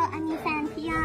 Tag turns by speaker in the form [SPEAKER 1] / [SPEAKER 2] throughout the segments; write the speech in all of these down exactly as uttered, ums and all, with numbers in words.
[SPEAKER 1] อันนี้แฟนพี่ยา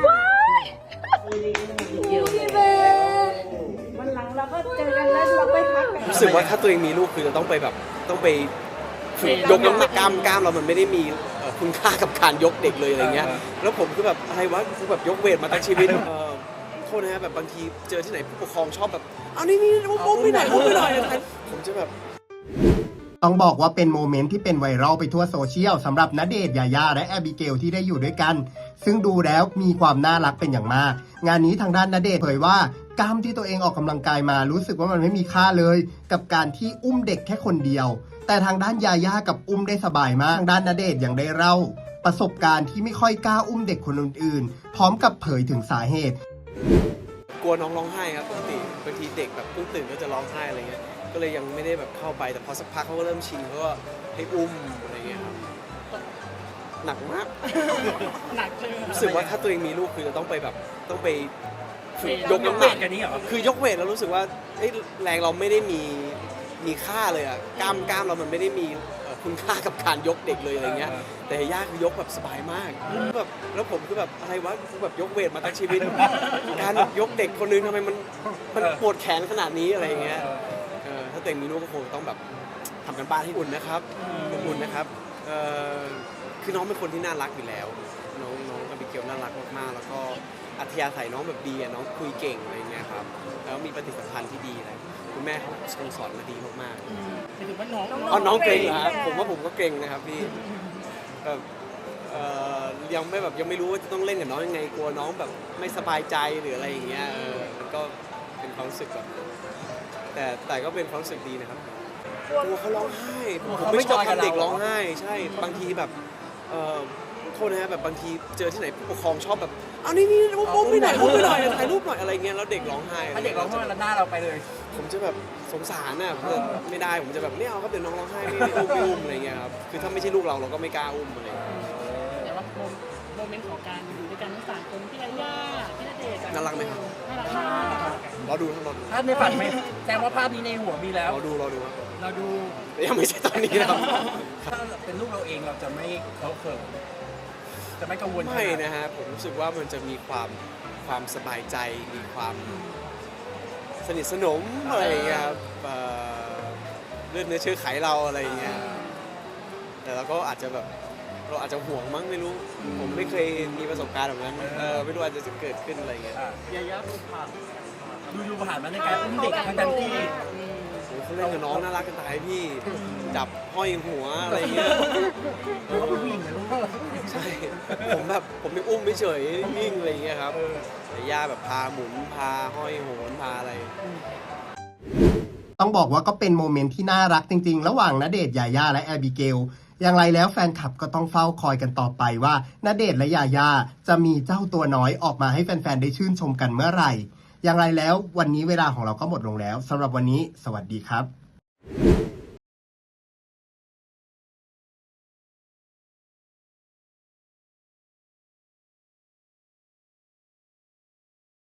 [SPEAKER 2] พี่เบนวันหลังเราก็เจอกันแล้วเราไปพักกัน
[SPEAKER 3] รู้สึกว่าถ้าตัวเองมีลูกคือจะต้องไปแบบต้องไปฝึกยกน้ำหนักกล้ามกล้ามเรามันไม่ได้มีเอ่อคุณค่ากับการยกเด็กเลยอะไรเงี้ยแล้วผมคือแบบอะไรวะคือแบบยกเวทมาตั้งชีวิตเอ่อโทษนะฮะแบบบางทีเจอที่ไหนผู้ปกครองชอบแบบเอานี่นี่มุ้งไม่หน่อยมุ้งไม่หน่อยผมจะแบบ
[SPEAKER 4] ต้องบอกว่าเป็นโมเมนต์ที่เป็นไวรัลไปทั่วโซเชียลสำหรับณเดชน์ ยาย่าและแอบิเกลที่ได้อยู่ด้วยกัน ซึ่งดูแล้วมีความน่ารักเป็นอย่างมาก งานนี้ทางด้านณเดชน์เผยว่ากล้ามที่ตัวเองออกกำลังกายมารู้สึกว่ามันไม่มีค่าเลย กับการที่อุ้มเด็กแค่คนเดียว แต่ทางด้านยาย่ากับอุ้มได้สบายมากทางด้านณเดชน์ยังได้เล่าประสบการณ์ที่ไม่ค่อยกล้าอุ้มเด็กคนอื่นๆ พร้อมกับเผยถึงสาเหตุ
[SPEAKER 3] กลัวน้องร้องไห้ครับปกติบางทีเด็กแบบเพิ่งตื่นก็จะร้องไห้อะไรเงี้ยก็เลยยังไม่ได้แบบเข้าไปแต่พอสักพักเขาก็เริ่มชินเขาก็ให้อุ้มอะไรเงี้ยครับหนักมาก
[SPEAKER 2] หนักเลย
[SPEAKER 3] รู้สึกว่าถ้าตัวเองมีลูกคือจะต้องไปแบบต้องไปฝึกยกน้ำห
[SPEAKER 2] เว
[SPEAKER 3] นัก
[SPEAKER 2] ทกันนี้เหรอ
[SPEAKER 3] คือยกเวทแล้วรู้สึกว่าเอ้ยแรงเราไม่ได้มีมีค่าเลยอะกล้ามกล้ามเรามันไม่ได้มีเอ่อคุณค่ากับการยกเด็กเลยอะไรเงี้ยแต่ย่าคือยกแบบสบายมากแบบแล้วผมคือแบบอะไรวะคือแบบยกเวทมาตั้งชีวิต การยกเด็กคนนึงทำไมมันมันปวดแขนขนาดนี้อะไรเงี้ยเออถ้าตัวเองมีลูกก็คงต้องแบบทำกันบ้านให้อุ่นนะครับอุ่นนะครับเอ่อคือน้องเป็นคนที่น่ารักอยู่แล้วน้องน้องอบิเกลน่ารักมากๆแล้วก็อัธยาศัยน้องแบบดีอะน้องคุยเก่งอะไรเงี้ยครับแล้วมีปฏิสัมพันธ์ที่ดีเลยคุณแม่เขาสอนมาดีมากๆ
[SPEAKER 2] ถือว่าน้อง
[SPEAKER 3] อ๋อน้องเกรงเหรอครับผมว่าผมก็เกรงนะครับพี่แบบเอ่อยังไม่แบบยังไม่รู้ว่าจะต้องเล่นกับน้องยังไงกลัวน้องแบบไม่สบายใจหรืออะไรอย่างเงี้ยเออมันก็เป็นความรู้สึกแบบแต่แต่ก็เป็นความรู้สึกดีนะครับกลัวเขาร้องไห้ผมผมไม่ชอบทำเด็กร้องไห้ใช่บางทีแบบเอ่อโทษนะฮะแบบบางทีเจอที่ไหนผู้ปกครองชอบแบบเอานี่นี่มุ้งไม่หน่อยมุ้งไม่หน่อยถ่ายรูปหน่อยอะไรเงี้ยแล้วเด็กร้องไห้
[SPEAKER 2] ถ้าเด็กร้องไห้แล้วหน้าเราไปเลย
[SPEAKER 3] ผมจะแบบสงสารน่ะผมจะไม่ได้ผมจะแบบไม่เอาครับเดี๋ยวน้องร้องไห้ไม่ไม่อุ้มไม่อุ้มอะไรเงี้ยครับคือถ้าไม่ใช่ลูกเราเราก็ไม่กล้าอุ้มอะไรเงี้ย
[SPEAKER 2] แต่ว่าโมเมนต์ของการอยู่ด้วยกันทั้งสามคนพี่ยาย่าพี่ณเดชน์
[SPEAKER 3] น่ารักไหมครับ
[SPEAKER 2] น่ารักมาก
[SPEAKER 3] รอดูครับรอดู
[SPEAKER 2] ภาพในฝันไหมแสดงว่าภาพนี้ในหัวมีแล้ว
[SPEAKER 3] รอดูรอดูครับ
[SPEAKER 2] เราดู
[SPEAKER 3] แต่ยังไม่ใช่ตอนนี้นะครับ
[SPEAKER 2] ถ้าเป็นลูกเราเองเราจะไม่เขาเขินจะไม่กังวล
[SPEAKER 3] ไม่นะฮะผมรู้สึกว่ามันจะมีความความสบายใจมีความสนิทสนมอะไรอย่างเงี้ยครับเอ่อเลือดเนื้อเชื้อไขเราอะไรอย่างเงี้ยแต่เราก็อาจจะแบบเราอาจจะห่วงมั้งไม่รู้ ผมไม่เคยมีประสบการณ์แบบนั้นเออไม่รู้อาจจะเกิดขึ้นอะไรอย่างเงี้ย
[SPEAKER 2] ยาย่าดูผ่านดูดูผ่านมาในการอุ้มเด็กทั้งทั้งที่
[SPEAKER 3] โอ้เขาเล่นกับน้องน่ารักกันตายพี่จับห้อยหัวอะไรอย่างเงี้ย
[SPEAKER 2] เขาเป็นผู้หญิงนะลูก
[SPEAKER 3] ใช่ผมแบบผมยังอุ้มไม่เฉยนิ่งอะไรอย่างเงี้ยครับแต่ย่าแบบพาหมุนพาห้อยโหนพาอะไร
[SPEAKER 4] ต้องบอกว่าก็เป็นโมเมนต์ที่น่ารักจริงๆ ระหว่างณเดชน์ ยาย่าและแอบิเกล อย่างไรแล้วแฟนคลับก็ต้องเฝ้าคอยกันต่อไปว่าณเดชน์และยาย่าจะมีเจ้าตัวน้อยออกมาให้แฟนๆ ได้ชื่นชมกันเมื่อไหร่ อย่างไรแล้ววันนี้เวลาของเราก็หมดลงแล้วสำหรับวันนี้สวัสดีครับ